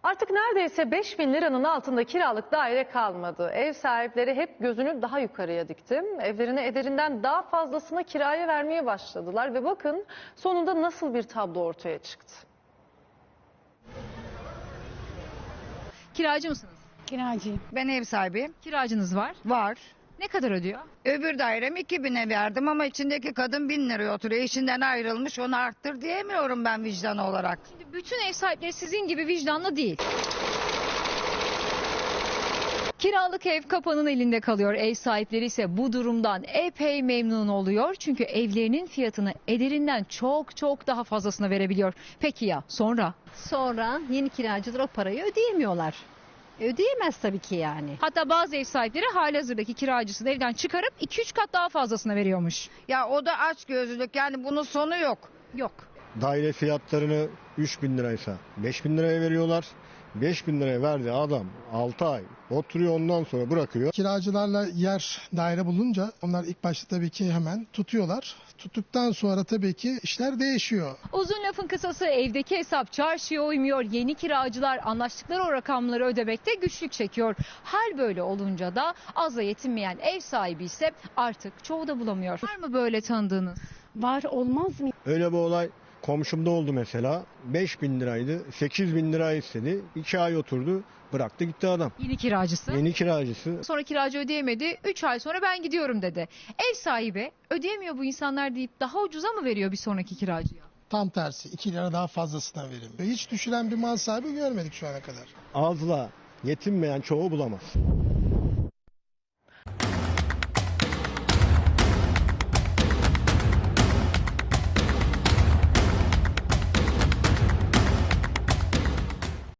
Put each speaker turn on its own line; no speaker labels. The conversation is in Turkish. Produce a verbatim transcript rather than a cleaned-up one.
Artık neredeyse beş bin liranın altında kiralık daire kalmadı. Ev sahipleri hep gözünü daha yukarıya dikti. Evlerini ederinden daha fazlasına kiraya vermeye başladılar ve bakın sonunda nasıl bir tablo ortaya çıktı.
Kiracı mısınız?
Kiracıyım.
Ben ev sahibiyim.
Kiracınız var.
Var.
Ne kadar ödüyor?
Öbür dairem iki bine verdim ama içindeki kadın bin liraya oturuyor. Eşinden ayrılmış, onu arttır diyemiyorum ben vicdan olarak.
Şimdi bütün ev sahipleri sizin gibi vicdanlı değil. Kiralık ev kapanın elinde kalıyor. Ev sahipleri ise bu durumdan epey memnun oluyor. Çünkü evlerinin fiyatını ederinden çok çok daha fazlasına verebiliyor. Peki ya sonra?
Sonra yeni kiracılar o parayı ödeyemiyorlar. Ödeyemez tabii ki yani.
Hatta bazı ev sahipleri halihazırdaki kiracısını evden çıkarıp iki üç kat daha fazlasına veriyormuş.
Ya o da açgözlülük, yani bunun sonu yok.
Yok.
Daire fiyatlarını üç bin liraysa beş bin liraya veriyorlar. beş bin liraya verdi adam altı ay oturuyor, ondan sonra bırakıyor.
Kiracılarla yer daire bulunca onlar ilk başta tabii ki hemen tutuyorlar. Tuttuktan sonra tabii ki işler değişiyor.
Uzun lafın kısası evdeki hesap çarşıya uymuyor. Yeni kiracılar anlaştıkları o rakamları ödemekte güçlük çekiyor. Hal böyle olunca da azla yetinmeyen ev sahibi ise artık çoğu da bulamıyor. Var mı böyle tanıdığınız?
Var, olmaz mı?
Öyle bir olay komşumda oldu mesela. beş bin liraydı, sekiz bin lira istedi. iki ay oturdu, bıraktı gitti adam.
Yeni kiracısı.
Yeni kiracısı.
Sonra kiracı ödeyemedi. üç ay sonra ben gidiyorum dedi. Ev sahibi ödeyemiyor bu insanlar deyip daha ucuza mı veriyor bir sonraki kiracıya?
Tam tersi iki lira daha fazlasına verin. Hiç düşüren bir mal sahibi görmedik şu ana kadar.
Azla yetinmeyen çoğu bulamaz.